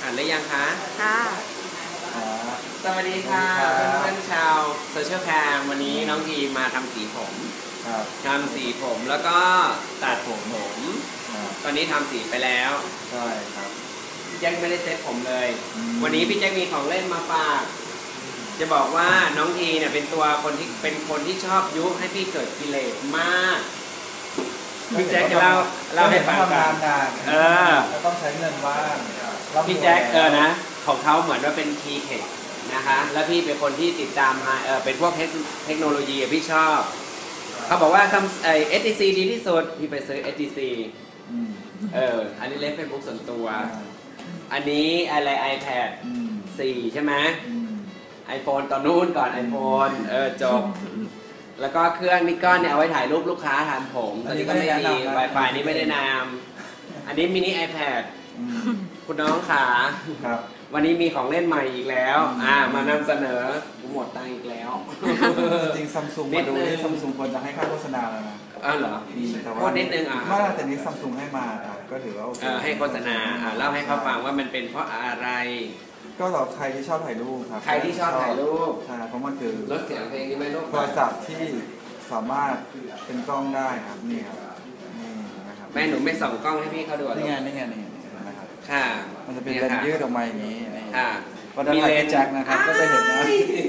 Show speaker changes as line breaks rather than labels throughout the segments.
อ่านได้ยังคะ
ค่ะ
สวัสดีค่ะเพื่อนๆชาวโซเชียลแคมวันนี้น้องทีมาทำสีผมทำสีผมแล้วก็ตัดผมตอนนี้ทำสีไปแล้ว
ใช่ครับ
พี่แจ็คไม่ได้เซ็ตผมเลยวันนี้พี่แจ็คมีของเล่นมาฝากจะบอกว่าน้องทีเนี่ยเป็นคนที่ชอบยุให้พี่เกิดกิเลสมากพี่แจ็คจะเล่าให้ฟังกัน
ก็ต้องใช้เงินบ้าง
พี่แจ็คนะของเขาเหมือนว่าเป็นคีย์เทคนะคะแล้วพี่เป็นคนที่ติดตามมาเป็นพวกเทคโนโลยีพี่ชอบเขาบอกว่าทำHTC ดีที่สุดพี่ไปซื้อ HTC อันนี้เล่นเฟซบุ๊กส่วนตัวอันนี้อะไร iPad 4 ใช่ไหม iPhone ตอนนู้นก่อน iPhone จบแล้วก็เครื่องนิกอนเนี่ยเอาไว้ถ่ายรูปลูกค้าทำผมตอนนี้ก็ไม่ดี Wi-Fi นี้ไม่ได้นามอันนี้มินิ iPad คุณน้องขาวันนี้มีของเล่นใหม่อีกแล้วมานำเสนอหมดตังค์อีกแล้ว
จริงซัมซุงมาดูนี่ซัมซุงควรจะให้ค่าโฆษณาแล้วนะ
เหรอ
แต่ว่า
นิดนึง
ไม่แต่นี้ซัมซุงให้มาก็ถือว่า
ให้โฆษณาเล่าให้เขาฟังว่ามันเป็นเพราะอะไร
ก็สำหรับใครที่ชอบถ่ายรูปครับ
ใครที่ชอบถ่ายรูป
ใช่เพราะมันคือ
ลดเสียงเพลงนี่ไม่รู้
โทรศัพท์ที่สามารถเป็นกล้องได้ครับนี่ครับนี่
นะครับแม่หนูไม่ส่องกล้องให้พี่เขาดู
นี่ไงนะครับ
ค่ะ
มันจะเป็นเลนส์ยืดออกมาอย่างนี้พอด้านหลังแจ็คนะครับก็จะเห็นนะ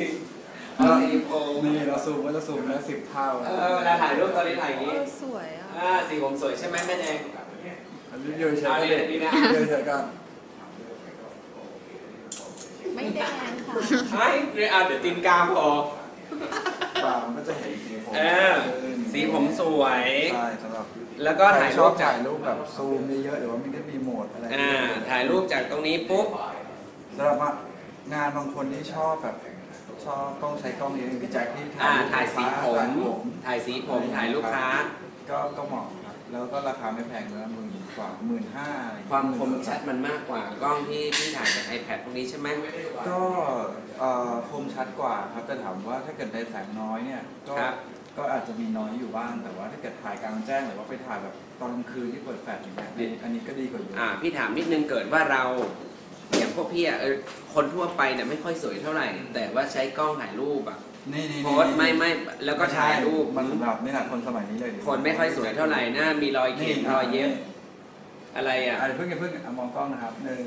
นี่เราซูมก็จะซูมแล้ว10 เท่า
เวลาถ่ายรูปตอนนี้ถ่ายอย่างนี้
สวย
สีผมสวยใช่ไหมแม่แดง
ยืดเฉยๆยืดเฉยๆกัน
ไม่แดงค่ะ
ไม่เดี๋ยวตีนกามพอ
มันก็จะเห็นสีผม
สีผมสวย
ใช่สำหรับ
แล้วก็ถ่ายรู
ปแบบซูมเยอะหรือว่ามันก็มีโหมดอะไร
ถ่ายรูปจากตรงนี้ปุ๊บ
สำหรับงานบางคนที่ชอบแบบต้องใช้กล้องเยอะพี่แจ็คที่
ถ่ายสีผมถ่ายสีผมถ่ายลูกค้า
ก็เหมาะครับแล้วก็ราคาไม่แพงเลยกว่า15,000
ความคมชัดมันมากกว่ากล้องที่ถ่ายจาก iPad พวกนี้ใช่ไหม
ก็คมชัดกว่าครับแต่ถามว่าถ้าเกิดในแสงน้อยเนี่ยก็อาจจะมีน้อยอยู่บ้างแต่ว่าถ้าเกิดถ่ายกลางแจ้งหรือว่าไปถ่ายแบบตอนกลางคืนที่เปิดแฟลชอย่างเงี้ยอันนี้ก็ดีกว่าอยู่
พี่ถามนิดนึงเกิดว่าเราอย่างพวกพี่คนทั่วไปเนี่ยไม่ค่อยสวยเท่าไหร่แต่ว่าใช้กล้องถ่ายรูปโพสไม่แล้วก็ถ่ายรูป
มันสำหรับนี่แหละคนสมัยนี้เลย
คนไม่ค่อยสวยเท่าไหร่หน้ามีรอยเขียนรอยเย็บอะไร
เพิ่งมองกล้องนะครับ1 2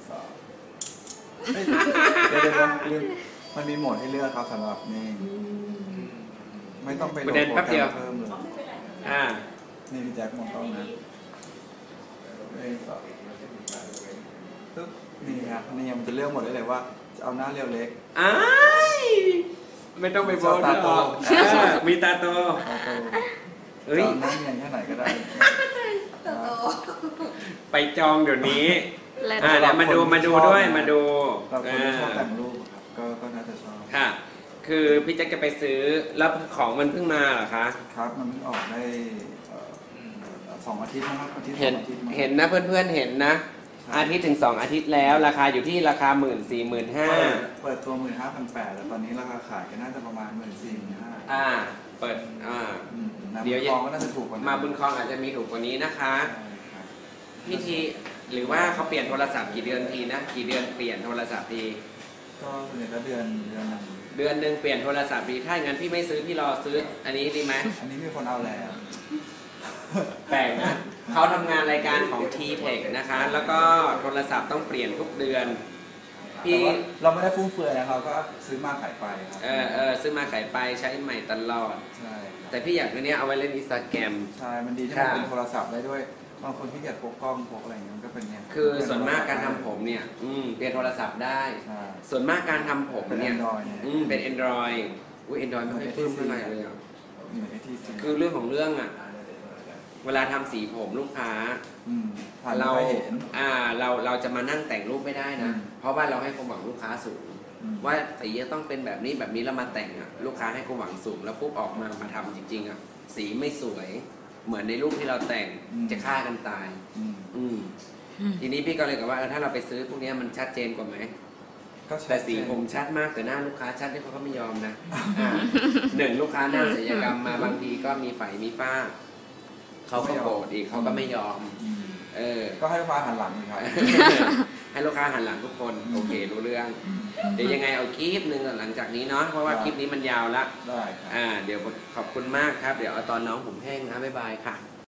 เดี๋ยวมันมีโหมดให้เลือกครับสำหรับนี่ไม่ต้องไปโหลดโปรแกรมเพิ่มเลยนี่พี่แจ็คมองกล้องนะปึ๊บนี่ครับนี่มันจะเลือกหมดเลยว่าจะเอาหน้าเรียวเล็ก
ไม่ต้องไปโบว์ตาโตมีตาโต
หน้าเนียนแค่ไหนก็ได้
ไปจองเดี๋ยวนี้แล้วมาดูด้วยมาดู
คนที่ชอบแต่งรูปครับก็น่าจะชอบ
ค่ะคือพี่แจ็คจะไปซื้อแล้วของมันเพิ่งมาเหรอคะ
ครับมันเพิ่งออกได้2 อาทิตย์นะครับ
เห็นนะเพื่อนๆเห็นนะอาทิตย์ถึง2 อาทิตย์แล้วราคาอยู่ที่ราคา 14,500
เปิดตัว 15,800 แต่ตอนนี้ราคาขายก็น่าจะประมาณ 14,500
เปิด
เดี๋ยวก็น่าจะถูกกว่า
มาบุญคลองอาจจะมีถูกกว่านี้นะคะพี่ทีหรือว่าเขาเปลี่ยนโทรศัพท์กี่เดือนทีนะกี่เดือนเปลี่ยนโทรศัพท์ที
ก็เดือน
นึงเปลี่ยนโทรศัพท์ทีถ้างั้นพี่ไม่ซื้อพี่รอซื้ออันนี้ดีไหม
อันนี้มีคนเอาแล้ว
แปลกนะเขาทำงานรายการของ T-Tech นะคะแล้วก็โทรศัพท์ต้องเปลี่ยนทุกเดือน
พี่เราไม่ได้ฟุ่มเฟือยนะเราก็ซื้อมาขายไปครับ
ซื้อมาขายไปใช้ใหม่ตลอด
ใช่
แต่พี่อยากเนี้ยเอาไว้เล่นInstagram
ใช่มันดีที่มันเป็นโทรศัพท์ได้ด้วยบางคนที่อยากพกกล้องพกอะไรอย่างเงี้ยก็เป็นเนี่ย
คือส่วนมากการทำผมเนี่ยเปลี่ยนโทรศัพท์ได้ส่วนมากการทำผมเนี่ยเป็น Android Android ไม่ค่อยปลื้มเท่าไหร่เลยคือเรื่องของเรื่องเวลาทำสีผมลูกค้าเราจะมานั่งแต่งรูปไม่ได้นะเพราะว่าเราให้ความหวังลูกค้าสูงว่าสีจะต้องเป็นแบบนี้แล้วมาแต่งลูกค้าให้ความหวังสูงแล้วปุ๊บออกมาทำจริงๆสีไม่สวยเหมือนในรูปที่เราแต่งจะฆ่ากันตายทีนี้พี่ก็เลยกับว่าถ้าเราไปซื้อพวกนี้มันชัดเจนกว่าไหมแต่สีผมชัดมากแต่หน้าลูกค้าชัดที่เขาก็ไม่ยอมนะ1ลูกค้าหน้าศัลยกรรมมาบางทีก็มีไฝมีฝ้าเขาก็โกรธอีกเขาก็ไม่ยอม
ก็ให้ลูกค้าหันหลังเลยครับ
ให้ลูกค้าหันหลังทุกคนโอเครู้เรื่องเดี๋ยวยังไงเอาคลิปหนึ่งหลังจากนี้เนาะเพราะว่าคลิปนี้มันยาวละ
ได้ครับ
เดี๋ยวขอบคุณมากครับเดี๋ยวเอาตอนน้องผมแห้งนะบ๊ายบายค่ะ